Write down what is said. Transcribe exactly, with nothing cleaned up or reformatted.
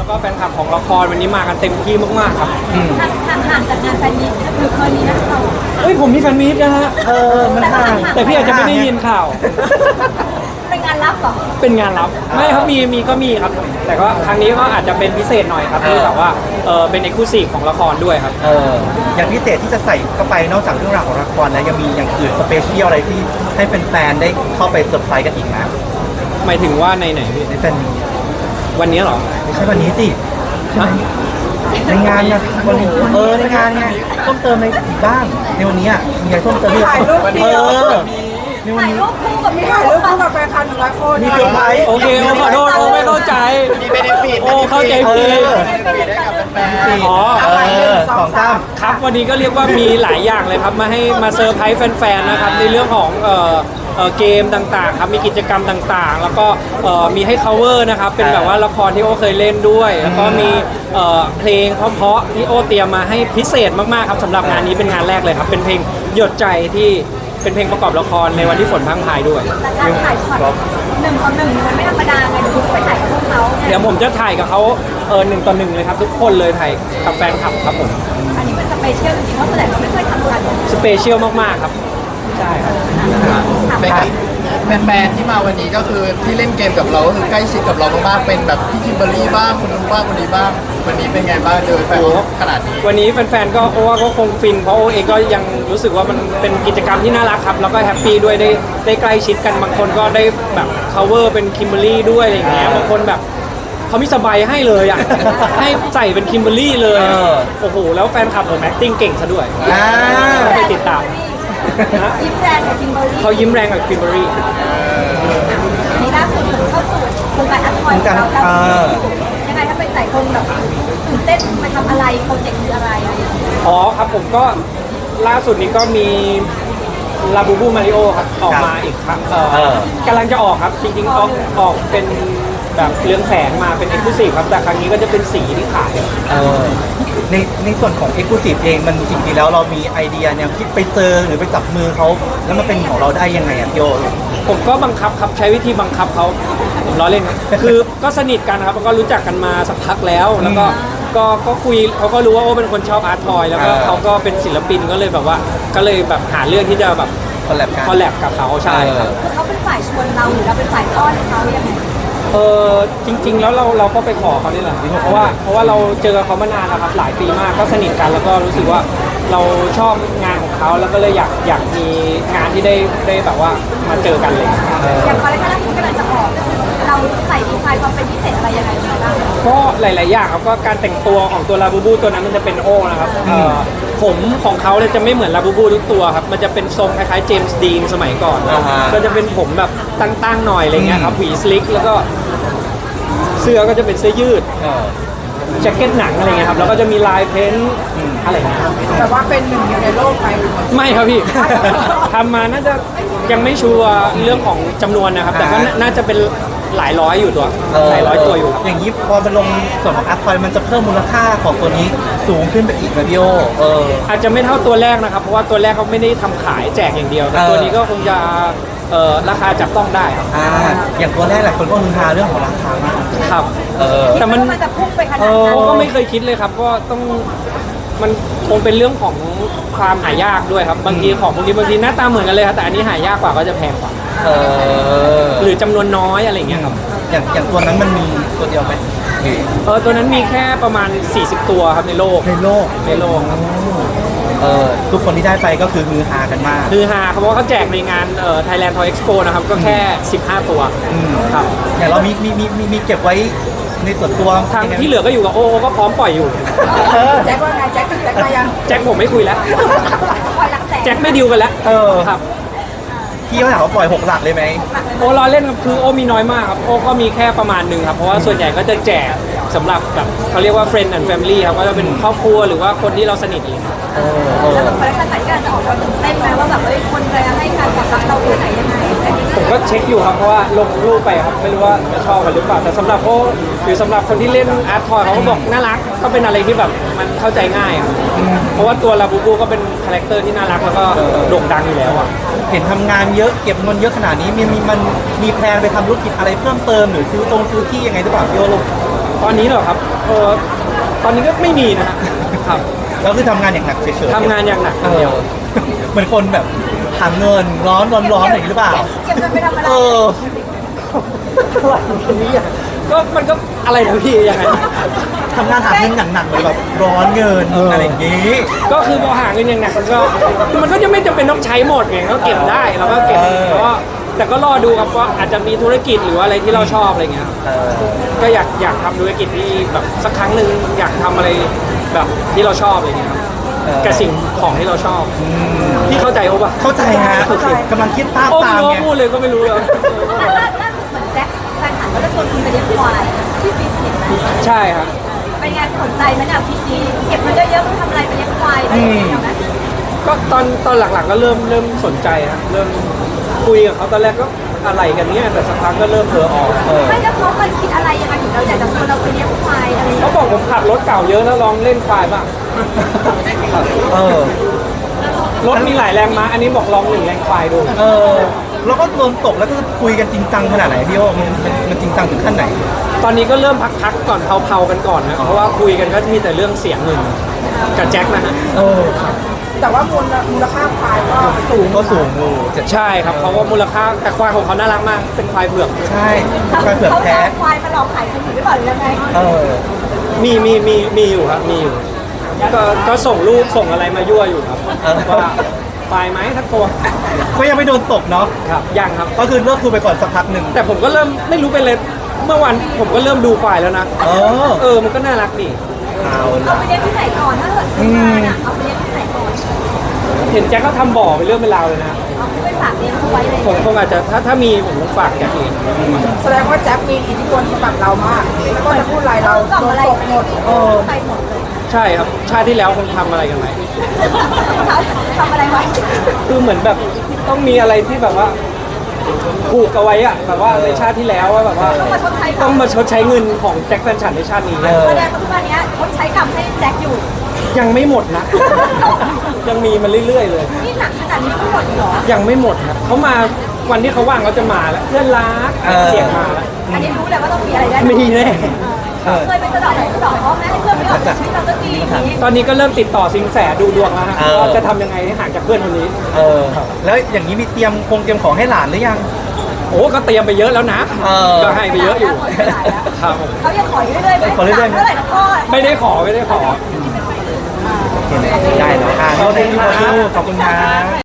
แล้วก็แฟนคลับของละครวันนี้มากันเต็มที่มากๆครับห่างห่างห่างจากงานแฟนมีตหรือเคยมีนะเราเฮ้ยผมมีแฟนมีตนะฮะเออมันห่างแต่พี่อาจจะไม่ได้ยินข่าวเป็นงานลับเหรอเป็นงานลับไม่ครับมีมีก็มีครับ แต่ก็ครั้งนี้ก็อาจจะเป็นพิเศษหน่อยครับที่แบบว่าเออเป็นเอกลูซีฟของละครด้วยครับเอออย่างพิเศษที่จะใส่เข้าไปนอกจากเรื่องราวของละครแล้วยังมีอย่างอื่นสเปเชียลอะไรที่ให้แฟนๆได้เข้าไปเซอร์ไพรส์กันอีกนะหมายถึงว่าในไหนพี่ในแฟนมีตวันนี้เหรอไม่ใช่วันนี้สิฮะในงานนะวันนี้เออในงานไงเพิ่มเติมในอีกบ้างในวันนี้อ่ะมีอะไรเพิ่มเติมที่ถ่ายรูปเดีเอยวอในวันถ่ายนี้รูปคู่กับมีถ่ายรูปคู่กับแฟนคลับหนึ่งร้อยคนมีเซอร์ไพรส์โอเคโอขอโทษโอไม่เข้าใจมีเบนฟิตโอเข้าใจเอผิดอได้กับแฟนอ๋อเออสองสามครับวันนี้ก็เรียกว่ามีหลายอย่างเลยครับมาให้มาเซอร์ไพรส์แฟนๆนะครับในเรื่องของเอ่อเอ่อเกมต่างๆครับมีกิจกรรมต่างๆ แล้วก็เอ่อมีให้ cover นะครับเป็นแบบว่าละครที่โอเคยเล่นด้วย แล้วก็มีเอ่อเพลงเพราะๆที่โอเตรียมมาให้พิเศษมากๆครับสำหรับงานนี้เป็นงานแรกเลยครับเป็นเพลงหยดใจที่เป็นเพลงประกอบละครในวันที่ฝนพรังพรายด้วยแต่การถ่ายช็อตหนึ่งต่อหนึ่งมันไม่ธรรมดาไงเดี๋ยวคุณไปถ่ายกับพวกเขาเดี๋ยวผมจะถ่ายกับเขาเออหนึ่งต่อหนึ่งเลยครับทุกคนเลยถ่ายกับแฟนคลับครับผมอันนี้เป็นสเปเชียลจริงๆเพราะส่วนใหญ่เราไม่เคยทำกันสเปเชียลมากๆครับใช่ครับถามเป็นว่าแฟนๆที่มาวันนี้ก็คือที่เล่นเกมกับเราก็คือใกล้ชิดกับเรามากๆเป็นแบบพี่คิมเบอร์รี่บ้างคนนู้นบ้างคนนี้บ้างวันนี้เป็นไงบ้างเจอแฟนขนาดนี้วันนี้แฟนๆก็โอ้ว่าก็คงฟินเพราะโอเองก็ยังรู้สึกว่ามันเป็นกิจกรรมที่น่ารักครับแล้วก็แฮปปี้ด้วยได้ได้ใกล้ชิดกันบางคนก็ได้แบบ cover เป็นคิมเบอร์รี่ด้วยอะไรอย่างเงี้ยบางคนแบบเขามีสบายให้เลยอ่ะ ให้ใส่เป็นคิมเบอร์รี่เลยเออโอ้โหแล้วแฟนคลับผม acting เก่งซะด้วยอ่าไปติดตามยิ้มแรงกับคิมเบอร์รี่เขายิ้มแรงกับคิมเบอร์รี่นี่ล่าสุดเข้าสู่โครงการอัพพอยของเราแล้วยังไงถ้าเป็นหลายคนแบบตื่นเต้นมาทำอะไรโปรเจกต์คืออะไรอะไรอย่างเงี้ยอ๋อครับผมก็ล่าสุดนี้ก็มีลาบูบูมาริโอครับออกมาอีกครับเอ่อเออกำลังจะออกครับจริงๆออกออกเป็นแบบเรืองแสงมาเป็นเอ็กซ์คลูซีฟครับแต่ครั้งนี้ก็จะเป็นสีที่ขายเออในในส่วนของ Exclusive เองมันจริงๆแล้วเรามีไอเดียเนี่ยคิดไปเจอหรือไปจับมือเขาแล้วมันเป็นของเราได้ยังไงอ่ะพี่โอผมก็บังคับครับใช้วิธีบังคับเขาผมล้อเล่นครับคือก็สนิทกันครับแล้วก็รู้จักกันมาสักพักแล้ว แล้วก็ก็ก็คุยเขาก็รู้ว่าโอ้เป็นคนชอบอาร์ตทอยแล้วก็อ่าเขาก็เป็นศิลปินก็เลยแบบว่าก็เลยแบบหาเรื่องที่จะแบบคอลแลบกันคอลแลบกับเขาใช่ครับคือเขาเป็นฝ่ายชวนเราหรือเราเป็นฝ่ายต้อนเขาอย่างไรเออจริง ๆ แล้วเราเราก็ไปขอเขานี่แหละเพราะว่าเพราะว่าเราเจอเขามานานแล้วครับหลายปีมากก็สนิทกันแล้วก็รู้สึกว่าเราชอบงานของเขาแล้วก็เลยอยากอยากมีงานที่ได้ได้แบบว่ามาเจอกันเลยอย่างคอลเลคชันที่กำลังจะออกเราใส่ดีไซน์ความเป็นพิเศษอะไรยังไงบ้างก็หลาย ๆ อย่างครับก็การแต่งตัวของตัวลาบูบูตัวนั้นมันจะเป็นโอนะครับเอ่อผมของเขาเนี่ยจะไม่เหมือนลาบูบูทุกตัวครับมันจะเป็นทรงคล้ายๆเจมส์ดีนสมัยก่อนอ่าฮะก็จะเป็นผมแบบตั้ง ๆ หน่อยอะไรเงี้ยครับหวีสลิกแล้วก็เสื้อก็จะเป็นเสื้อยืดเออแจ็คเก็ตหนังอะไรเงี้ยครับแล้วก็จะมีลายเพ้นท์อะไรเงี้ยครับแต่ว่าเป็นหนึ่งเดียวในโลกไปไม่ครับพี่ ทำมาน่าจะยังไม่ชัวร์เรื่องของจำนวนนะครับ แต่ก็น่าน่าจะเป็นหลายร้อยอยู่ตัวหลายร้อยตัวอยู่ครับอย่างนี้พอมันลงส่วนของอัพพอยมันจะเพิ่มมูลค่าของตัวนี้สูงขึ้นไปอีกนะพี่โอเอออาจจะไม่เท่าตัวแรกนะครับ เพราะว่าตัวแรกเขาไม่ได้ทำขายแจกอย่างเดียว แต่เออตัวนี้ก็คงจะเอ่อราคาจับต้องได้ครับอ่าอย่างตัวแรกหลายคนก็ฮือฮาเรื่องของราคามากครับเออแต่มันมันจะพุ่งไปขนาดเออนั้นก็ไม่เคยคิดเลยครับ ก็ต้องมันคงเป็นเรื่องของความหายากด้วยครับ บางทีของพวกนี้บางทีหน้าตาเหมือนกันเลยครับแต่อันนี้หายากกว่าก็จะแพงกว่าเออหรือจำนวนน้อยอะไรอย่างเงี้ยครับอย่างอย่างตัวนั้นมันมีตัวเดียวไหมหรือเออตัวนั้นมีแค่ประมาณ สี่สิบ ตัวครับในโลกในโลกในโลกครับเออทุกคนที่ได้ไปก็คือฮือฮากันมากคือฮาครับเพราะว่าเขาแจกในงานเอ่อ Thailand Toy Expo นะครับก็แค่ สิบห้า ตัวอืมครับอย่างเรามีมีมีมีมีเก็บไว้ในส่วนตัวทางยังไงที่เหลือก็อยู่กับโอโอก็พร้อมปล่อยอยู่เออแจ็คว่าไงแจ็คแจ็คมายังแจ็คผมไม่คุยแล้วคอยหลักแสนแจ็คไม่ดิวกันแล้วเออครับพี่เขาถามว่าปล่อยหกหลักเลยไหมโอรอเล่นครับคือโอมีน้อยมากครับโอก็มีแค่ประมาณหนึ่งครับ เพราะว่าส่วนใหญ่ก็จะแจกสำหรับแบบเขาเรียกว่า friend and family ครับก็จะเป็นครอบครัวหรือว่าคนที่เราสนิทเองครับเออเออแล้วแบบคอลเลคชันไหนที่กำลังจะออกเราตื่นเต้นไหมว่าแบบเอ้ยคนจะให้การตอบรับเราแค่ไหนยังไงผมก็เช็คอยู่ครับเพราะว่าลงรูปไปครับไม่รู้ว่าจะชอบกันหรือเปล่าแต่สำหรับโอหรือสำหรับคนที่เล่นอาร์ตทอยเขาก็บอกน่ารักก็เป็นอะไรที่แบบมันเข้าใจง่ายครับเพราะว่าตัวลาบูบูก็เป็นคาแรคเตอร์ที่น่ารักแล้วก็โด่งดังอยู่แล้วอ่ะเห็นทำงานเยอะเก็บเงินเยอะขนาดนี้มีมีมันมีแพลนไปทำธุรกิจอะไรเพิ่มเติมหรือซื้อตรงซื้อที่ยังไงหรือเปล่าพี่โอลูกตอนนี้เหรอครับเออตอนนี้ก็ไม่มีนะฮะครับแล้วคือทำงานอย่างหนักเฉยๆทำงานอย่างหนักเออย่างเดีอยวเหมือนคนแบบหาเงินร้อนร้อนร้อนอย่างนี้หรือเปล่าเก็บเงินไปทำอะไรเออก็มันก็อะไรนะพี่ยังไงทำงานหาเงินอย่างหนักเหมือนแบบร้อนเงินเออออะไรอย่างนี้ก็คือพอหาเงินอย่างหนักมันก็มันก็จะไม่จำเป็นต้องใช้หมดไงก็เก็บได้เราก็เก็บเออแล้วก็แต่ก็รอดูครับว่าอาจจะมีธุรกิจหรือว่าอะไรที่เราชอบอะไรเงี้ยครับเออก็อยากอยากทำธุรกิจที่แบบสักครั้งหนึ่งอยากทำอะไรแบบที่เราชอบอะไรเงี้ยครับเออกับสิ่งของที่เราชอบอืมพี่เข้าใจโอ้ปะเข้าใจฮะกำลังคิดภาพโอ้ตาไม่มรู้ไงพูดเลยก็ไม่รู้เลยล่าสุดเหมือนแจ็คแฟนฉันก็จะชวนคุณไปเลี้ยงควายที่ฟิตเนสนะใช่ครับเป็นไงสนใจไหมเนี่ยพี่จีเก็บมันเยอะๆมันทำอะไรไปเลี้ยงควายได้ไหมก็ตอนตอนหลังๆก็เริ่มเริ่มสนใจครับเริ่มคุยกับเขาตอนแรกก็อะไรกันเนี่ยแต่สักพักก็เริ่มเผลอออกเออไม่แล้วเขาเคยคิดอะไรยังไงถึงเราอยากจะชวนเราไปเลี้ยงควายอะไรอย่างเขาเงี้ยบอกผมขับรถเก่าเยอะแล้วลองเล่นควายบ้างเออรถมีหลายแรงม้าอันนี้บอกลองหนึ่งแรงควายดูเออ แล้วก็โดนตกแล้วก็คุยกันจริงจังขนาดไหนพี่โอมันมันมันจริงจังถึงขั้นไหนตอนนี้ก็เริ่มพักๆก่อนเผาๆกันก่อนนะเพราะว่าคุยกันก็มีแต่เรื่องเสียงเงินกับแจ็คนะฮะเออแต่ว่ามูลมูลค่าควายก็สูงก็สูงอยู่เจ็ดใช่ครับเขาก็มูลค่าแต่ควายของเขาน่ารักมากเป็นควายเผือกใช่ควายเผือกเขาแท้เอาควายมาหลอกขายคนอื่นหรือเปล่าหรือยังไงเออมีมีมีมีอยู่ครับมีอยู่ก็ก็ส่งรูปส่งอะไรมายั่วอยู่ครับเออว่าควายไหมทักตัวก็ยังไม่โดนตกเนาะครับยังครับก็คือเลิกคุยไปก่อนสักพักหนึ่งแต่ผมก็เริ่มไม่รู้เป็นเลยเมื่อวันผมก็เริ่มดูควายแล้วนะเออเออมันก็น่ารักดีเอาเอาละไปเลี้ยงที่ไหนก่อนถ้าเกิดซื้อมาน่ะเอาไปเลี้ยงที่ไหนก่อนเห็นแจ็คเขาทำบ่อเป็นเรื่องเป็นราวเลยนะเอาไปฝากเลี้ยงเขาไว้เลยผมคงอาจจะถ้าถ้ามีผมคงฝากแจ็คเองแสดงว่าแจ็คมีอิทธิพลสำหรับเรามากแล้วก็จะพูดอะไรเรากล่องโดนอะไรตกหมดเออไปหมดเลยใช่ครับชาติที่แล้วคงทำอะไรกันไหมทำอะไรไว้คือเหมือนแบบต้องมีอะไรที่แบบว่าผูกเอาไว้อะแบบว่าในชาติที่แล้วว่าแบบว่าต้องมาชดใช้ต้องมาชดใช้เงินของแจ็คแฟนฉันในชาตินี้เออแสดงว่าทุกวันนี้ชดใช้กรรมให้แจ็คอยู่ยังไม่หมดนะ ยังมีมาเรื่อยๆเลยนี่หนักขนาดนี้ทั้งหมดเหรอยังไม่หมดครับเขามาวันที่เขาว่างเขาจะมาแล้วเพื่อนรักเออเสียงมาแล้วอันนี้รู้เลยว่าต้องมีอะไรได้มีแน่เออเคยไปสะเดอกไหนสะเดอกเขาแม่ให้เพื่อนไม่ออกจากชีวิตเราสักทีอย่างนี้ตอนนี้ก็เริ่มติดต่อสิงแสดูดวงแล้วฮะเออว่าจะทำยังไงให้ห่างจากเพื่อนคนนี้เออ แล้วอย่างนี้มีเตรียมคงเตรียมของให้หลานหรือยังโอ้ก็เตรียมไปเยอะแล้วนะเออก็ให้ไปเยอะอยู่ครับผมเขายังขออยู่เรื่อยๆไหมขอเรื่อยๆไหมเมื่อไหร่นะพ่อไม่ได้ขอไม่ได้ขอโอเคไหมได้เนาะอ่าขอบคุณครับขอบคุณครับ